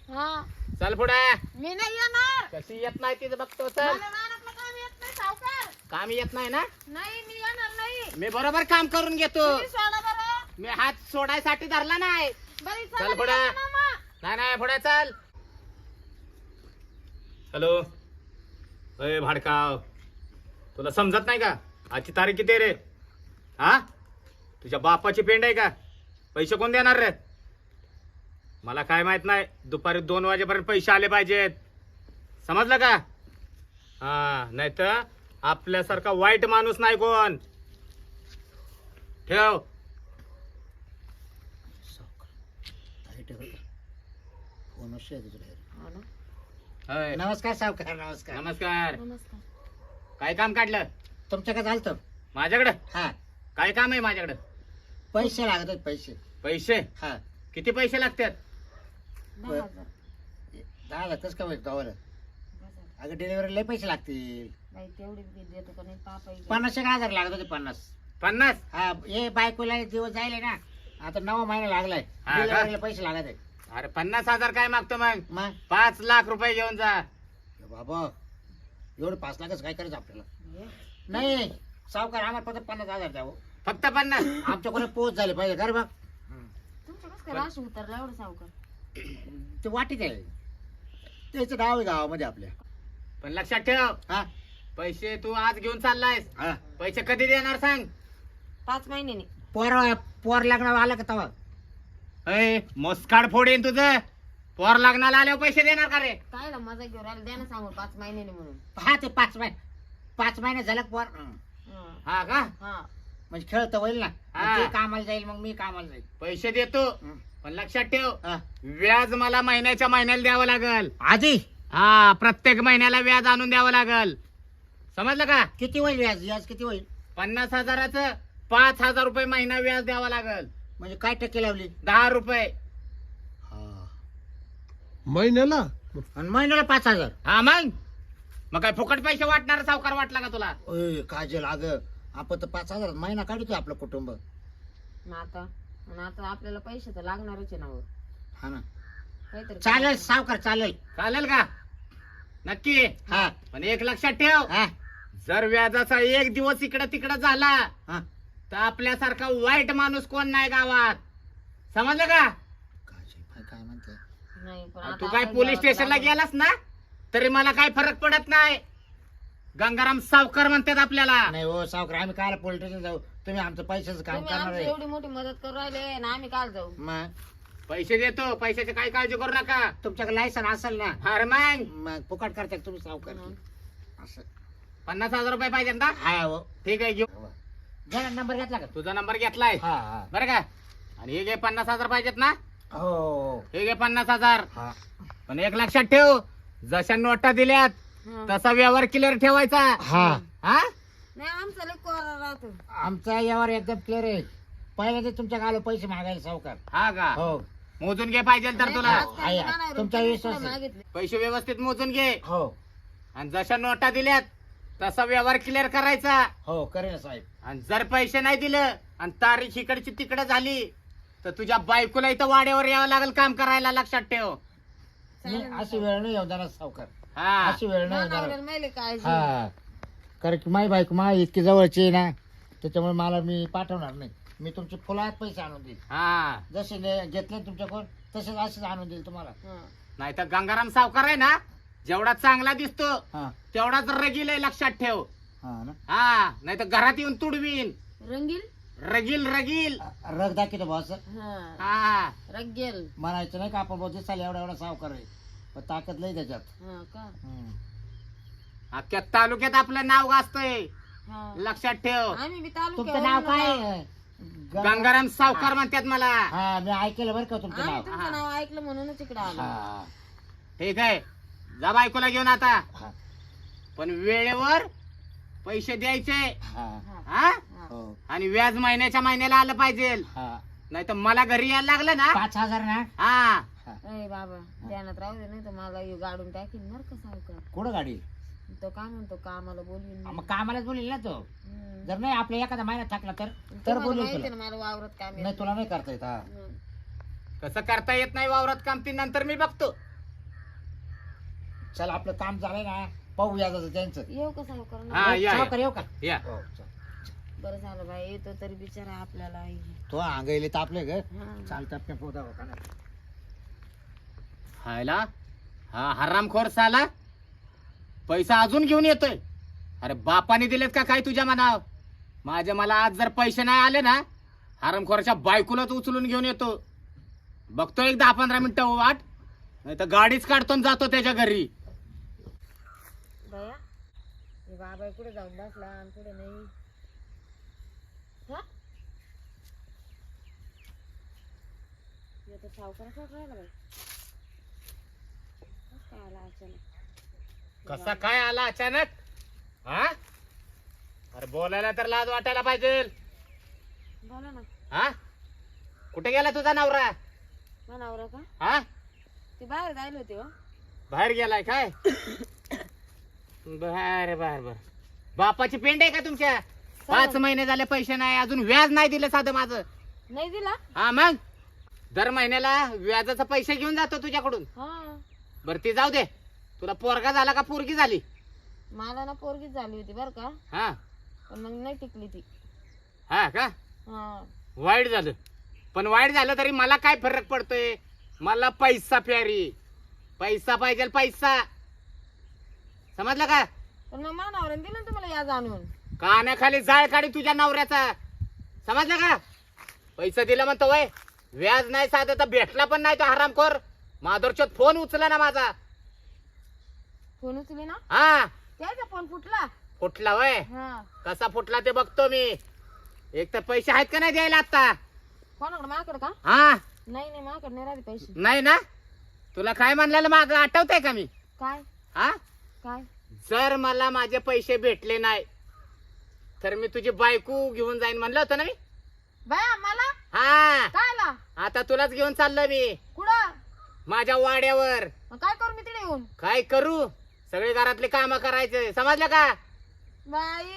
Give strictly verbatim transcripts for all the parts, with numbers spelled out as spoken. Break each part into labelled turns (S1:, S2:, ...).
S1: हा
S2: चल पुढे.
S1: मी नाही येणार.
S2: कशी येत नाही तिथं बघतो. चल.
S1: मला रानातलं काम येत नाही सावकार.
S2: काम येत नाही ना?
S1: नाही मी येणार नाही.
S2: मी बरोबर काम करून घेतो.
S1: तुम्ही सोडा बरं.
S2: मी हात सोडायसाठी धरला नाही.
S1: बरी
S2: चल
S1: चला
S2: पुढे.
S1: निघा मामा.
S2: नाही नाही पुढे चल. हॅलो. अय भाडकाव, तुला समजत नाही का आजची तारीख किती आहे रे? हा, तुझ्या बापाची पेंड आहे का? पैसे कोण देणार रे? मला काय माहित नाही. दुपारी दोन वाजेपर्यंत पैसे आले पाहिजेत. समजलं का? हा, नाही तर आपल्यासारखा वाईट माणूस नाही कोण. ठेव. होय.
S3: नमस्कार सावकार. नमस्कार.
S2: नमस्कार.
S1: नमस्कार.
S2: काय काम काढलं
S3: तुमच्याकडे झालं
S2: माझ्याकडे?
S3: हा,
S2: काय काम आहे माझ्याकडे?
S3: पैसे लागत आहेत, पैसे.
S2: पैसे?
S3: हा,
S2: किती पैसे लागतात?
S1: दहा हजार.
S3: दहा लागतच का गावाला?
S1: बसा.
S3: अगं डिलिव्हरी लय पैसे लागतील.
S1: बाई तेवढी बी देतो का नाही पापा इकडे.
S3: पन्नास एक हजार लागत होते. पन्नास.
S2: पन्नास?
S3: हा, हे बायकोला दिवस जायले ना, आता नवा महिना लागलाय.
S2: हा का?
S3: डिलिव्हरीला पैसे लागत आहेत.
S2: अरे पन्नास हजार काय मागतो मग?
S3: मग
S2: पाच लाख रुपये घेऊन जा.
S3: ए बाबा, एवढे पाच लाखच काय करायचं आपल्याला?
S1: हे,
S3: नाही सावकार, आम्हाला फक्त पन्नास हजार द्यावं.
S2: फक्त पन्नास?
S3: आमच्या कोणी पोच झाले पाहिजे घर बघ.
S1: तुमचं कसं काय राशी उतरला एवढं सावकार?
S3: ते वाटीत आहे, त्याचं नाव आहे गावामध्ये आपल्या.
S2: पण लक्षात ठेव,
S3: हा
S2: पैसे तू आज घेऊन चाललायस.
S3: हा,
S2: पैसे कधी देणार सांग?
S1: पाच महिन्याने.
S3: पोर पोर लग्न आलं का तवा?
S2: अय, मोस्काड फोडेन तुझं. पोर लग्नाला आल्यावर पैसे देणार का रे?
S1: काय ना मजा घेऊन राहिला द्या ना सांगून पाच महिन्याने म्हणून.
S3: हा, ते पाच महिने पाच महिने झालं पोर. हं.
S1: हा.
S2: हा का?
S1: हा.
S3: म्हणजे खेळत होईल ना.
S2: हा.
S3: मग ते कामाला जाईल, मग मी कामाला जाईल.
S2: पैसे देतो,
S3: हं.
S2: पण लक्षात ठेव,
S3: हा.
S2: व्याज मला महिन्याच्या महिन्याला द्यावं लागल.
S3: आधी
S2: हा, प्रत्येक महिन्याला व्याज आणून द्यावं लागल. समजलं का?
S3: किती होईल व्याज? व्याज किती होईल?
S2: पन्नास हजाराचं पाच हजार रुपये महिना व्याज द्यावं लागल.
S3: म्हणजे काय टक्के लावली?
S2: दहा रुपये.
S4: महिन्याला.
S3: आणि महिन्याला पाच हजार?
S2: हा मग मग काय फुकट पैसे वाटणार सावकार वाटला का तुला?
S3: ओय काजल, अगं आपण तर पाच हजार महिना काढतोय आपलं कुटुंब.
S1: मग आता आणि आता आपल्याला पैसे तर लागणारच आहे ना हो.
S3: हा ना.
S1: काहीतरी
S3: चालेल सावकार, चालेल.
S2: चालेल का? नक्की.
S3: हा
S2: पण एक लक्षात ठेव,
S3: हा
S2: जर व्याजाचा एक दिवस इकडं तिकडं झाला
S3: हा.
S2: तर आपल्यासारखा वाईट माणूस कोण नाही गावात. समजलं का?
S3: काजल काय काय म्हणते?
S1: नाही पण
S2: आणि
S1: आता
S2: तू काय
S1: आपण
S2: पोलीस
S1: जेव्हा
S2: स्टेशनला
S1: लागू-
S2: गेलास ना तरी मला काय फरक पडत नाही. गंगाराम सावकार म्हणतात आपल्याला.
S3: नाही हो सावकार, आम्ही काय पोलीस स्टेशन जाऊ? तुम्ही आमचं पैशाचं काम
S1: तुम्ही
S3: करणार
S1: आमची
S3: आहे.
S1: एवढी मोठी मदत करू राहिले ना आम्ही काल जाऊ.
S3: मग
S2: पैसे देतो, पैशाची काही काळजी करू नका.
S3: तुमच्याकडे लायसन असेल ना,
S2: अरे मग
S3: मग फुकट करता का तुम्ही सावकार?
S1: हं.
S3: असं
S2: पन्नास हजार रुपये पाहिजे ना?
S3: हा हो.
S2: ठीक आहे, घेऊ.
S3: जरा नंबर घेतला का?
S2: तुझा नंबर घेतलाय
S3: हा हा.
S2: बरं का? आणि हे घे पन्नास हजार पाहिजेत ना?
S3: हो
S2: हे घे पन्नास हजार.
S3: हा.
S2: पण एक लक्षात ठेव, जशा नोटा दिल्यात
S1: हं.
S2: तसा व्यवहार क्लिअर ठेवायचा.
S3: हा,
S2: हा?
S1: नाही आमचा लय कोरा राहतो.
S3: आमचा यावर एकदम क्लिअर आहे. पहिल्या ते तुमच्या गावाला पैसे मागायला सावकार.
S2: हा का?
S3: हो
S2: मोजून घे पाहिजे तर तुला.
S1: नाही, आज
S3: आहे,
S1: काय नाही,
S3: तुमचा
S1: रुपये
S3: विश्वास
S1: सुद्धा
S3: आहे.
S1: मागितले.
S2: पैसे व्यवस्थित मोजून घे
S3: हो
S2: आणि जशा नोटा दिल्यात तसा व्यवहार क्लिअर करायचा.
S3: हो करेल साहेब.
S2: आणि जर पैसे नाही दिलं आणि तारीख इकडची तिकडे झाली तर तुझ्या बायकोला इथं वाड्यावर यावं लागेल काम करायला. लक्षात ठेव.
S3: नाही, अशी वेळ नाही येऊ देणार सावकार.
S2: हा.
S3: अशी वेळ नाही येऊ
S1: नवऱ्याला
S3: देणार.
S1: माहिती काळजी.
S3: हा, कारण की माई बायको मा इतकी जवळची आहे ना, त्याच्यामुळे मला मी पाठवणार नाही. मी तुमचे फुलात पैसे आणून देईल.
S2: हा,
S3: जसे ने- घेतले तुमच्याकडून तसेच असेच आणून देईल तुम्हाला.
S1: हं.
S2: नाही तर गंगाराम सावकार आहे ना, जेवढा चांगला दिसतो
S3: हा
S2: तेवढाच रगील आहे. लक्षात ठेव.
S3: हा ना.
S2: हा, नाही तर घरात येऊन तुडवीन.
S1: रंगील.
S2: रगील रगील.
S3: रग दाखवतो बॉस.
S1: हं.
S2: हा,
S1: रंगेल.
S3: म्हणायचं नाही का आपण बहुत दिसायला एवढा एवढा सावकार आहे, पण ताकद लई त्याच्यात.
S1: हं का?
S3: हम्म.
S2: अख्ख्या तालुक्यात आपलं नाव गाजतंय.
S1: हं.
S2: लक्षात ठेव.
S1: आम्ही बी
S3: तुमचं नाव काय
S1: तालुक्यावर
S3: आहे? गंगा-
S2: गंगाराम सावकार म्हणतात मला.
S3: हा, मी ऐकलं बरं का तुमचं
S1: आम्ही
S3: नाव.
S1: तुमचं नाव ऐकलं म्हणूनच इकडे आलो.
S3: हा
S2: ठीक आहे, जा बायकोला घेऊन आता.
S3: हा
S2: पण वेळेवर पैसे द्यायचे.
S3: हा.
S1: हं.
S2: हा,
S1: हं.
S3: हो
S2: आणि व्याज महिन्याच्या महिन्याला आलं पाहिजे.
S3: हा.
S2: नाही तर मला घरी यायला लागलं ना.
S3: पाच हजार ना.
S2: हा,
S3: हा.
S1: अरे बाबा ध्यानात राहू दे नाही तर मला ह्यो गाडून टाकीन बरं का सावकार.
S3: कुठं गाडी?
S1: तो काय म्हणतो कामाला बोलवीन
S3: मग कामालाच बोलील ना तो.
S1: हं.
S3: जर नाही आपल्या एखादा महिना थकला तर तर
S1: तुम्हाला
S3: बोलू
S1: माहिती
S3: तुला.
S1: ना मला वावरात काम
S3: नाही तुला नाही करता येत. हा.
S1: हं.
S2: कसं करता येत नाही वावरात काम ती नंतर मी बघतो.
S3: चल आपलं काम झालंय ना, पाहू याचं त्यांचं.
S1: येऊ का सावकार?
S2: हा या
S3: सावकार
S2: या.
S3: येऊ का?
S2: या
S3: हो, चल.
S1: बरं झालं बाई, येतो तरी बिचारा आपल्याला.
S3: तो अंगाईले तापले ग.
S1: हा.
S3: चालतात का पोदा का ना.
S2: हायला हा हरामखोर साला पैसा अजून घेऊन येतोय. अरे बापाने दिलेत का काय तुझ्या मनावर? माझ्या मला आज जर पैसे नाही आले ना, हरामखोराच्या बायकोलाच उचलून घेऊन येतो. बघतो एक दहा पंधरा मिनिटं वाट, नाही तर गाडीच काढतो आणि जातो त्याच्या घरी.
S1: बया हे बाबा कुठे जाऊन बसला आणि कुठे नाही. हा येतो सावकाराचा राहिला बाई. काय आला अचानक?
S2: कसा काय आला अचानक? हा अरे बोलायला तर लाज वाटायला पाहिजे.
S1: बोला ना.
S2: हा कुठे गेला तुझा नवरा?
S1: मनावर का?
S2: हा
S1: ते बाहेर जायला होते हो.
S2: बाहेर गेलाय काय? बर बर बर. बापाची पेंड आहे का तुमच्या? पाच महिने झाले पैसे नाही, अजून व्याज नाही दिलं साधं माझं.
S1: नाही दिला?
S2: हा मग दर महिन्याला व्याजाचा पैसे घेऊन जातो तुझ्याकडून.
S1: हा
S2: बर ती जाऊ दे, तुला पोरगा झाला का पोरगी झाली?
S1: मला ना पोरगीच झाली होती बर का,
S2: हा
S1: पण मग नाही टिकली ती.
S2: हा का?
S1: हा
S2: वाईट झालं. पण वाईट झालं तरी मला काय फरक पडतोय? मला पैसा प्यारी, पैसा पाहिजे पैसा. समजलं का?
S1: पण मग मानावर दिलं ना तुम्हाला या जाणून.
S2: कानाखाली जाळ काढी तुझ्या नवऱ्याचा. समजलं का? पैसा दिला म्हणतो वय, व्याज नाही साधं तर भेटला पण नाही तो हरामखोर. माधुरच्यात फोन उचला ना माझा.
S1: फोन उचली ना?
S2: हा
S1: त्याचा फोन फुटला.
S2: फुटला वय?
S1: हा
S2: कसा फुटला ते बघतो मी. एक तर पैसे आहेत का नाही द्यायला आता?
S1: कोणाकडे? माझ्याकडे का?
S2: हा
S1: नाही नाही माझ्याकडे नाही राहिले पैसे.
S2: नाही ना? तुला काय म्हणलेलं माग आठवतंय का मी?
S1: काय
S2: हा
S1: काय?
S2: जर मला माझे पैसे भेटले नाही तर मी तुझी बायको घेऊन जाईन म्हणलं होतं ना मी.
S1: बाया मला
S2: हा
S1: काय ला?
S2: आता तुलाच घेऊन चाललो मी
S1: कुठं?
S2: माझ्या वाड्यावर.
S1: मग काय करू मी तिथे येऊन?
S2: काय करू? सगळे घरातले काम करायचे. समजलं का?
S1: बाई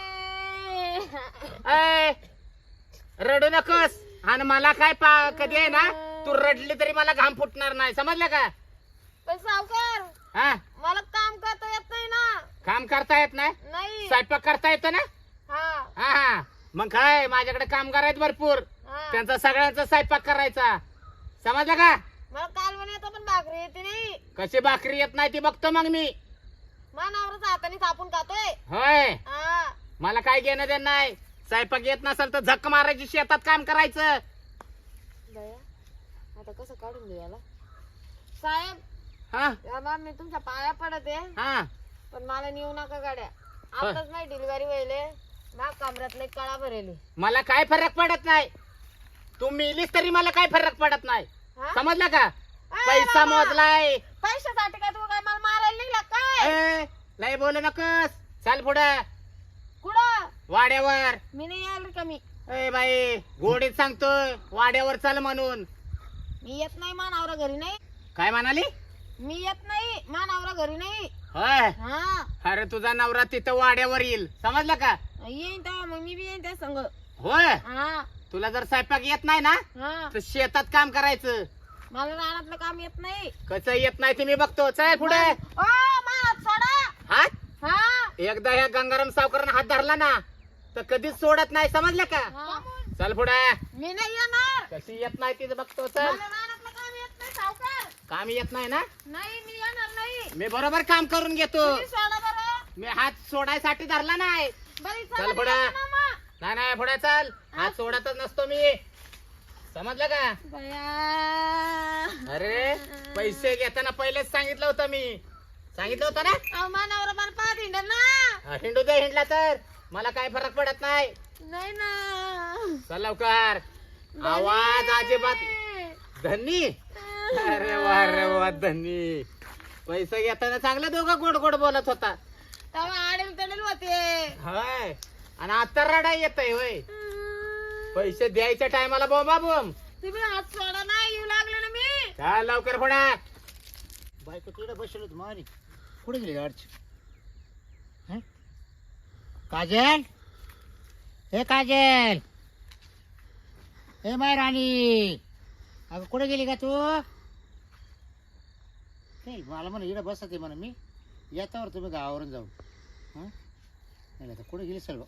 S2: अय, रडू नकोस. आणि मला काय पा कधी आहे ना, तू रडली तरी मला घाम फुटणार नाही. समजलं का?
S1: पण सावकार
S2: हा
S1: मला काम करता येत नाही ना.
S2: काम करता येत नाही?
S1: नाही.
S2: स्वयंपाक करता येतो ना?
S1: हा
S2: हा हा मग काय, माझ्याकडे कामगार आहेत भरपूर.
S1: हा
S2: त्यांचा सगळ्यांचा स्वयंपाक करायचा. समजलं का?
S1: मला कालवण येतो पण भाकरी येते नाही.
S2: कशी भाकरी येत नाही ती बघतो मग मी.
S1: मानावरच हाताने थापून खातोय.
S2: होय
S1: हा
S2: मला काय घेणं देणं नाही. स्वयंपाक येत नसेल तर झक मारायची, शेतात काम करायचं.
S1: बया आता कसं काढून देऊ याला? साहेब
S2: हा
S1: याला मी तुमच्या पाया पडत आहे,
S2: हा
S1: पण मला नेऊ नका गाड्या. आताच नाही डिलिव्हरी व्हायले, मा कमरातले कळा भरेले.
S2: मला काय फरक पडत नाही. तू मिलीस तरी मला काय फरक पडत नाही.
S1: हा?
S2: समजलं का?
S1: अरे
S2: पैसा
S1: बाबा,
S2: मोजलाय.
S1: पैशासाठी काय तू काय मला मारायला निघला काय?
S2: ए, लय बोलू नकोस. चल पुढं
S1: कुठं?
S2: वाड्यावर.
S1: मी नाही यायला का? मी
S2: ए बाई गोडीत सांगतोय, वाड्यावर चल म्हणून.
S1: मी येत नाही, मानावरा घरी नाही.
S2: काय म्हणाली?
S1: मी येत नाही, मानावरा घरी नाही.
S2: होय
S1: हा
S2: अरे तुझा नवरा तिथं वाड्यावर येईल. समजलं का?
S1: येईन तेव्हा मग मी बी येईन त्या संग.
S2: होय
S1: हा
S2: तुला जर स्वयंपाक येत नाही ना
S1: हा
S2: तर शेतात काम करायचं.
S1: मला रानातलं काम येत नाही.
S2: कसं येत नाही ते मी बघतो. चल पुढे.
S1: ओ मा सोडा.
S2: हात
S1: हा
S2: एकदा ह्या गंगाराम सावकारानं हात धरला ना तर कधीच सोडत नाही. समजलं का?
S1: हा.
S2: चल पुढे.
S1: मी नाही येणार.
S2: कशी येत नाही तिचं बघतो. चल.
S1: मला रानातलं काम येत नाही सावकार.
S2: काम येत नाही ना?
S1: नाही मी येणार नाही.
S2: मी बरोबर काम करून घेतो.
S1: तुम्ही सोडा बरं.
S2: मी हात सोडायसाठी धरला नाही.
S1: बरी
S2: चल
S1: चला,
S2: पुढे.
S1: मी येतो ना मग.
S2: नाही नाही पुढे चल. हात सोडतच नसतो मी. समजलं का?
S1: बया.
S2: अरे पैसे घेताना पहिलेच सांगितलं होतं मी. सांगितलं होतं ना?
S1: अहो, मानावर मला पाहत हिंडत ना.
S2: हा, हिंडू दे हिंडला तर मला काय फरक पडत नाही.
S1: नाही ना.
S2: चल लवकर. आवाज अजिबात. धनी अरे वा रे वा धनी. पैसे घेताना चांगलं दोघं गोड गोड बोलत होता.
S1: तेव्हा आडेल तडेल होते.
S2: होय आणि आता रडाई येतय. होय पैसे द्यायच्या टायमाला बोंबा बोंब.
S1: तुम्ही हात सोडा ना, येऊ लागले ना मी.
S2: चाल लवकर पुढे.
S3: बायको तिकडे बसलो होतो मारी. कुठे गेली गाडची? हं? काजल, हे काजल, हे माय राणी, अगं कुठे गेली का तू? नाही मला म्हणा इकडे बसत आहे म्हणा मी येतावर तुम्ही गावावरून जाऊ हां नाही आता कुठं गेली सर्व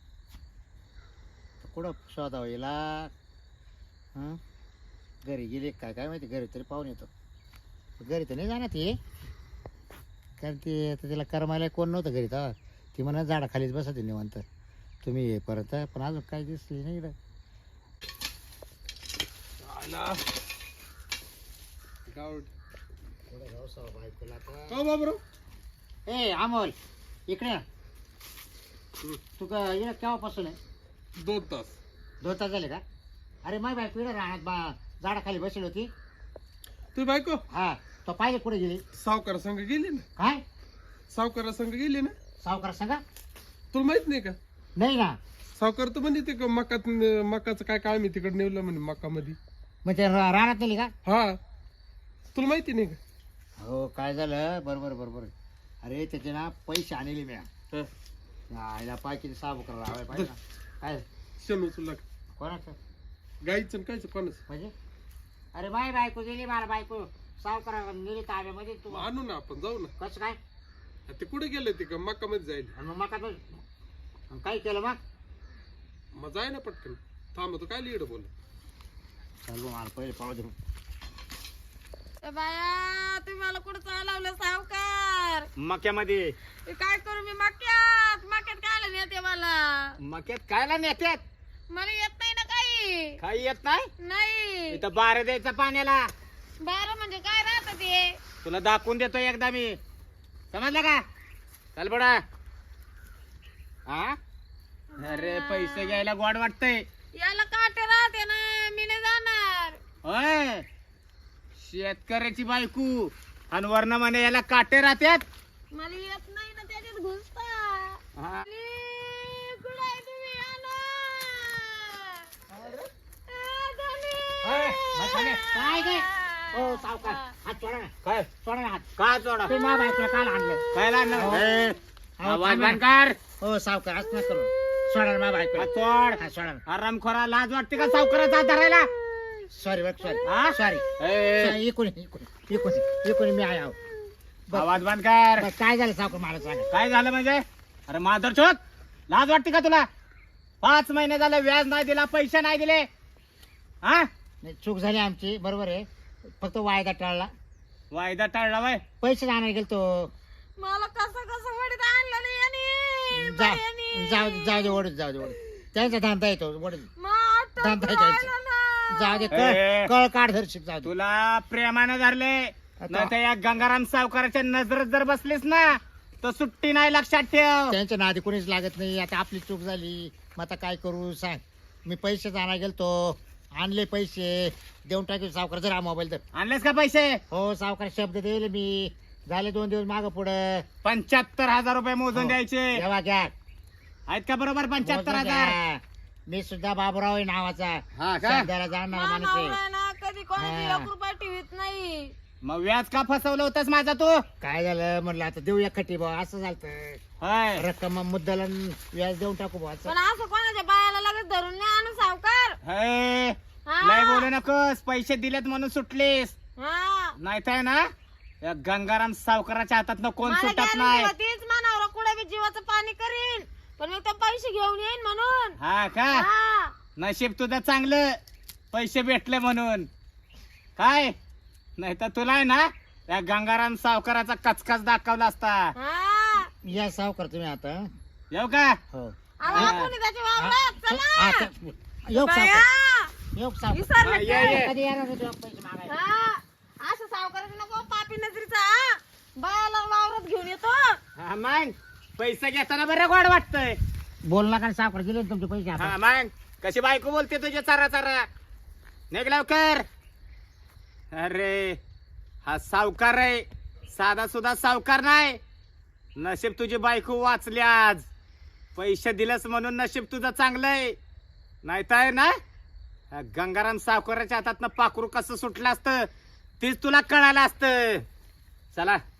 S3: कुठं शोधावं येला हां घरी गेली काय काय माहिती घरी तरी पाहून येतो घरी तर नाही जाणार ती कारण ती आता तिला करमायला कोण नव्हतं घरी तेव्हा ती म्हणा झाडाखालीच बसत आहे निवांत तुम्ही ये परत पण अजून काय दिसली नाही इकडं ए अमोल इकडे ये. तू का इकडे केव्हापासून आहे
S4: दोन तास
S3: दोन तास झाले का अरे माय बायको इकडे राहण्यात बा झाडाखाली बसली होती
S4: तुझी बायको
S3: हा तो पाहिजे कुठे गेली
S4: सावकार संघ गेली ना
S3: काय
S4: सावकारा संघ गेली ना
S3: सावकार सांगा
S4: तुला माहित नाही का
S3: नाही ना
S4: सावकार तर म्हणजे ते मकात मकाचं काय काय मी तिकडे नेवलं म्हणे मका मध्ये
S3: मग ते रा- रानात नेली का
S4: हा तुला माहिती नाही का
S3: हो काय झालं बरोबर बरोबर अरे त्याचे ना पैसे आणले मी
S4: हा.
S3: आईला पाय किती सावकार राहावे पाहिजे ना. काय
S4: शेण उचलला
S3: कोणाचं
S4: गाईचं आणि कायचं कोणाचं
S3: म्हणजे अरे बाय बायको गेली मला बायको सावकार नेली ताब्यामध्ये तू
S4: मग आणू ना आपण जाऊ ना
S3: कसं काय
S4: आ, ते कुठे गेले ते का मका मध्ये जाईल
S3: आणि मग मका तो काय केलं मग
S4: मग जाय ना पटकन थांब तो काय लिहिड बोल
S3: चालू मला पहिले पाहू दे
S1: ए बाया तुम्ही मला कुठं चालवलं सावकार
S2: मक्यामध्ये
S1: ए, काय करू मी मक्यात मक्यात काय नेते मला
S2: मक्यात कायला नेत्यात
S1: मला येत नाही ना काही
S2: काही येत नाही
S1: नाही
S2: इथं बारे द्यायचं पाण्याला
S1: बारा म्हणजे काय राहत ते
S2: तुला दाखवून देतो एकदा मी समजलं का चल बडा हा अरे पैसे घ्यायला गोड वाटतंय
S1: याला काटे राहते ना मी नाही जाणार
S2: होय शेतकऱ्याची बायको आणि वर्ण म्हणे याला काटे राहत्यात
S1: मला येत नाही ना त्याच्यात घुसता
S2: हा.
S1: अरे, कुठं आहे तुम्ही? आला. ए, धनी.
S2: होय, बस झाले.
S3: काय काय हो सावकार हात सोडा ना
S2: काय
S3: सोडा ना हात
S2: का चोडा
S3: तुम्ही माझ्या बायकोला काल आणलं
S2: काय लागलं
S3: हो.
S2: ए,
S3: अहो,
S2: आवाज
S3: थांबा.
S2: बंद कर
S3: हो सावकार असं नका करू सोडा ना माझ्या बायकोला
S2: हात सोड
S3: हा सोडा ना
S2: आरामखोरा लाज वाटते का सावकाराचा हात धरायला
S3: सॉरी बघ सॉरी
S2: हा?
S3: सॉरी
S2: ए,
S3: इकडून इकडून इकडून इकडून मी आहे आहो बरं.
S2: आवाज बंद कर
S3: बरं, काय झालं सावकार मला सांगा
S2: काय झालं म्हणजे अरे माधर चोत लाज वाटते का तुला पाच महिने झाले व्याज नाही दिला पैसे नाही दिले हा
S3: नाही चूक झाली आमची बरोबर आहे फक्त वायदा टाळला
S2: वायदा टाळला बाय
S3: पैसे आणायला गेलो तो
S1: मला कसं कसं वडीत आणलं नाही यांनी,
S3: जा
S1: बायांनी.
S3: जाऊ जाऊ दे ओढत जाऊ दे ओढत त्यांचा धंदा येतो ओढत
S1: मग आटोप
S3: धंदा
S1: राहिला
S3: द्यायचा.
S1: ना.
S3: जाऊ दे
S2: ए.
S3: कळ कळ काढ धरशील जाऊ दे
S2: तुला प्रेमानं धरले नाही तर या गंगाराम सावकाराच्या नजरेत जर बसलीस ना तर सुट्टी नाही लक्षात ठेव
S3: त्यांच्या नादी कोणीच लागत नाही आता आपली चूक झाली मग आता काय करू सांग मी पैसे आणायला गेलतो आणले पैसे देऊन टाकले सावकार जरा मोबाईल तर
S2: आणलेस का पैसे
S3: हो सावकार शब्द दिले मी झाले दोन दिवस माग पुढं
S2: पंच्याहत्तर हजार रुपये मोजून
S3: हो.
S2: द्यायचे
S3: जेव्हा घ्या
S2: आहेत का बरोबर पंच्याहत्तर
S3: मोजून
S2: हजार
S3: घ्या. मी सुद्धा बाबूराव आहे नावाचा
S2: हा का
S3: शब्दाला जाणणारा
S1: मा
S3: माणूस आहे
S1: नवरा ना कधी कोणाची
S3: हा.
S1: एक रुपया ठेवीत नाही
S2: मग व्याज का फसवलं होतंस माझा तू
S3: काय झालं म्हणलं आता देऊया खटी बा असं झालं
S2: होय
S3: रक्कम मुद्दला व्याज देऊन टाकू बा
S1: पण असं कोणाच्या बायाला लगेच धरून नाही आणू सावकार
S2: हे,
S1: हा.
S2: लय बोलू नकोस पैसे दिलेत म्हणून सुटलीस
S1: हा
S2: नाही तर ना या गंगाराम सावकाराच्या हातात कोण
S1: मला
S2: सुटत
S1: guarantee
S2: नाही
S1: होतीच मानावर कुठे बी जीवाचं पाणी करीन पण मी ते पैसे घेऊन येईन म्हणून
S2: हा का
S1: हा
S2: नशीब तुझं चांगलं पैसे भेटले म्हणून काय नाही तर तुला आहे ना या गंगाराम सावकाराचा कचकच दाखवला असता
S1: हा
S3: या सावकार तुम्ही आता
S2: येऊ का
S3: हो
S1: आम्हाला कोणी त्याच्या वावरात चला
S3: आता येऊ
S1: बाया.
S3: सावकार येऊ सावकार
S1: विसरले
S2: हा, ये,
S1: काय?
S2: ये.
S3: कधी येणार होते पैसे मागायला
S1: हा असं सावकाराचं नको पापी नजरीचा हा. बायाला वावरात घेऊन येतो
S2: हा मग पैसे घेताना बरं गोड वाटतंय
S3: बोल नका ना सावकार दिले ना तुमचे पैसे
S2: हा
S3: आता
S2: मग कशी बायको बोलते तुझे चारा चारा निघ लवकर अरे हा सावकार आहे साधा सुद्धा सावकार नाही नशीब तुझी बायको वाचली आज पैसे दिलंस म्हणून नशीब तुझं चांगलंय नाही तर ना हा गंगाराम सावकाराच्या हातात पाखरू कसं सुटलं असतं तीच तुला कळालं असतं चला